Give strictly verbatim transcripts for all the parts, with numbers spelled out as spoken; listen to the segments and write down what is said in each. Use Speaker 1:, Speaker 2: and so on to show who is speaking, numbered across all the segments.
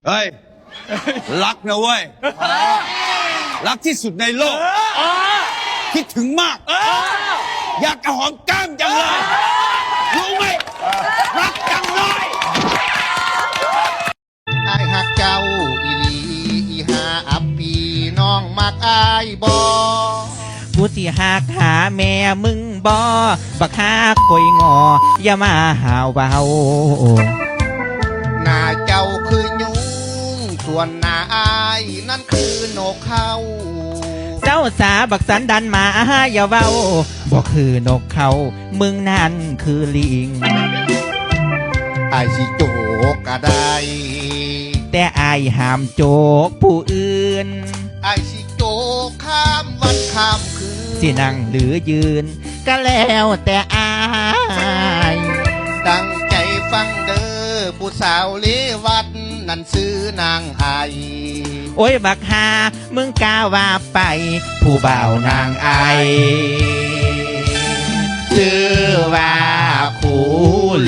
Speaker 1: เฮ้ย รักนะเว้ย รักที่สุดในโลก คิดถึงมาก อยากกระหอมก้ามจังเลย รู้ไหม รักจังเลย
Speaker 2: ไอ้หักเจ้าอีหลีอีหาอับปีน้องมักอายบอ
Speaker 3: กูสิหักหาแม่มึงบ่บักหาคอยงออย่ามาหาวเบา
Speaker 2: หน้าเจ้าคือยุงส่วนหน้าอายนั่นคือนกเขา
Speaker 3: เจ้าสาบักสันดันมาอย่าเว้าบ่คือนกเขามึงนั่นคือลิง
Speaker 2: อายสิโจกก็ได้
Speaker 3: แต่อายห้ามโจกผู้อื่น
Speaker 2: อายสิโจกข้ามวันข้ามคืน
Speaker 3: สินั่งหรือยืน ก็แล้วแต่อาย
Speaker 2: ตั้งใจฟังเด้อผู้สาวเลวัดนั่นซื้อนางไอ
Speaker 3: โอ้ยบักหามึงกล้าว่าไป ผู้บ่าวนางไอชื่อว่าคูลู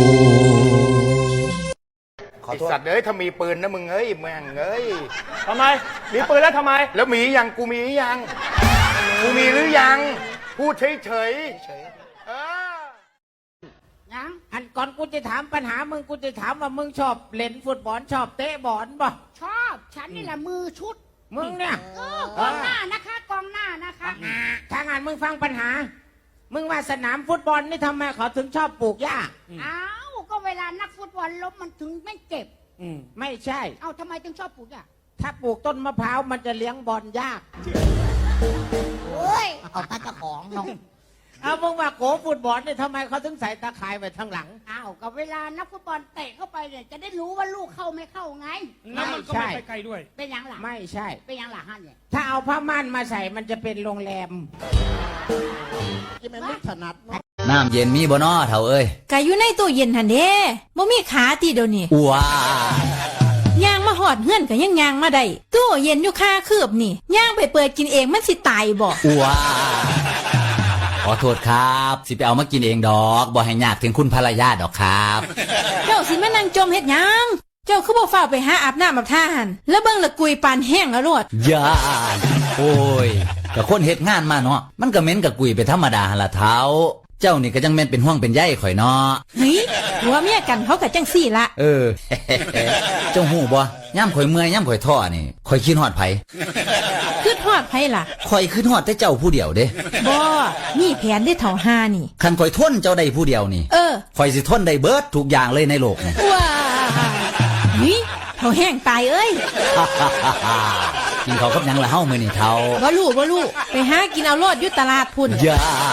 Speaker 4: ไอสัตว์เอ้ยถ้ามีปืนนะมึงเอ้ยแม่งเอ้ย
Speaker 5: ทำไม มีปืนแล้วทำไม
Speaker 4: แล้วมียังกูมียังกูมีหรือยังพูดเฉยเฉยๆเออ
Speaker 6: ยังอันก่อนกูจะถามปัญหามึงกูจะถามว่ามึงชอบเล่นฟุตบอลชอบเตะบอลป่ะ
Speaker 7: ชอบ ฉันนี่แหละมือชุด
Speaker 6: มึงเนี่ย
Speaker 7: เออกองหน้านะคะกองหน้านะคะ
Speaker 6: ถ้างานมึงฟังปัญหา มึงว่าสนามฟุตบอลนี่ทำไมเขาถึงชอบปลูกหญ้า
Speaker 7: อ้าวก็เวลานักฟุตบอลล้มมันถึงไม่เจ็บ
Speaker 6: ไม่ใช่
Speaker 7: เอ้าทำไมถึงชอบปลูกอ่ะ
Speaker 6: ถ้าปลูกต้นมะพร้าวมันจะเลี้ยงบอลยาก
Speaker 7: เฮ้ยเอาตาเจ้าของน้อง
Speaker 6: เอามึงว่าโกฟุตบอลนี่ทำไมเขาถึงใส่ตาข่ายไว้ข้างหลัง
Speaker 7: อ้าวก็เวลานักฟุตบอลเตะเข้าไปเนี่ยจะได้รู้ว่าลูกเข้าไม่เข้าไง
Speaker 5: แล้วมันก็ไม่ไปไกลด้วย
Speaker 7: เป็นยังหลัง
Speaker 6: ไม่ใช่
Speaker 7: เป็นยังหลังฮั่นเนี่ย
Speaker 6: ถ้าเอาผ้าม่านมาใส่มันจะเป็นโรงแรม
Speaker 2: ที่มันไม่ถนัดเนาะ
Speaker 8: น้ำเย็นมีบ่นอเถ่าเอ้ย
Speaker 9: กะอยู่ในตู้เย็นหันเด้บ่มีขาติเดี๋ยวนี้
Speaker 8: ว้า
Speaker 9: ย่างมาหอดเฮือนก็ยังย่างมาได้ตู้เย็นอยู่ค่าคืบนี่ย่างไปเปิดกินเองมันสิตายบ่
Speaker 8: ว้าขอโทษครับ สิไปเอามากินเองดอกบ่ให้ยากถึงคุณภรรยาดอกครับ
Speaker 9: เจ้าสิมานั่งจมเฮ็ดหยังเจ้าคือบ่ฟ้าวไปหาอาบน้ำอาบท่าหันแล้วเบิ่งละกุยปานแห้งแล้วโลด
Speaker 8: ย่านโอ้ยกับคนเฮ็ดงานมาเนาะมันก็เหม็นกับกุยไปธรรมดาหั่นล่ะเท้า เจ้านี่ก็จังแม่นเป็นห่วงเป็นใยข่อยเนาะ
Speaker 9: เฮ้ยหัวเมียกันเขาก็จังซี่ละ
Speaker 8: เออ เจ้าหูบ่ย่ำข่อยเมื่อยย่ำข่อยท้อนี่ข่อยคิดฮอดไผ
Speaker 9: คือทอดไผล่ะ
Speaker 8: ข่อยคิดฮอดแต่เจ้าผู้เดียวเด้
Speaker 9: บ่มีแผนได้เท่าหานี่
Speaker 8: คันข่อยทนเจ้าได้ผู้เดียวนี่
Speaker 9: เออ
Speaker 8: ข่อยสิทนได้เบิดทุกอย่างเลยในโลกนี่
Speaker 9: ว้าเฮ้ยเขาแห้งตายเอ้ย
Speaker 8: กินเขาวกับหยังละเฮ้ามื้อนี่เท่า
Speaker 9: บ่รู้บ่รู้ไปหากินเอาโลดอยู่ตลาดพุ่น
Speaker 8: ย่าน